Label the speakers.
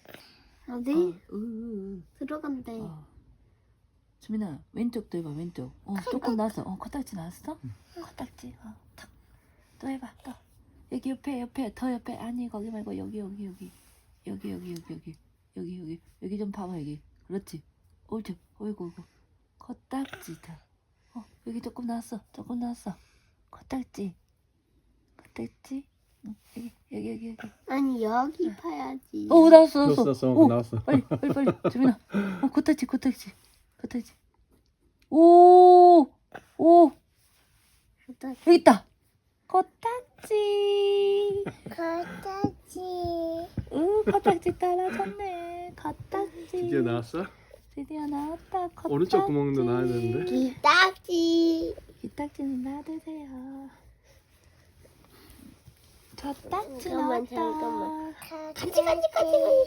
Speaker 1: 어디? 들어간대.
Speaker 2: 주민아 왼쪽도 해봐 왼쪽. 조금 나왔어. 코딱지 나왔어? 코딱지. 탁. 또 해봐 또. 여기 옆에 더 옆에. 아니 거기 말고 여기 좀 봐봐 여기. 그렇지. 옳지. 어이구 코딱지 더. 여기 조금 나왔어. 코딱지. 응, 여기.
Speaker 1: 아니 여기 봐야지.
Speaker 2: 나왔어.
Speaker 3: 나왔어.
Speaker 2: 빨리. 주민아. 코딱지. 오. 여기 있다. 코딱지. 코딱지 따라졌네. 코딱지.
Speaker 3: 드디어 나왔어?
Speaker 2: 드디어 나왔다. 코딱지.
Speaker 3: 오른쪽 구멍도 나와야 되는데.
Speaker 2: 기딱지는 놔두세요. 저 딱지
Speaker 1: 잠깐만.
Speaker 2: 나왔다.
Speaker 1: 간지.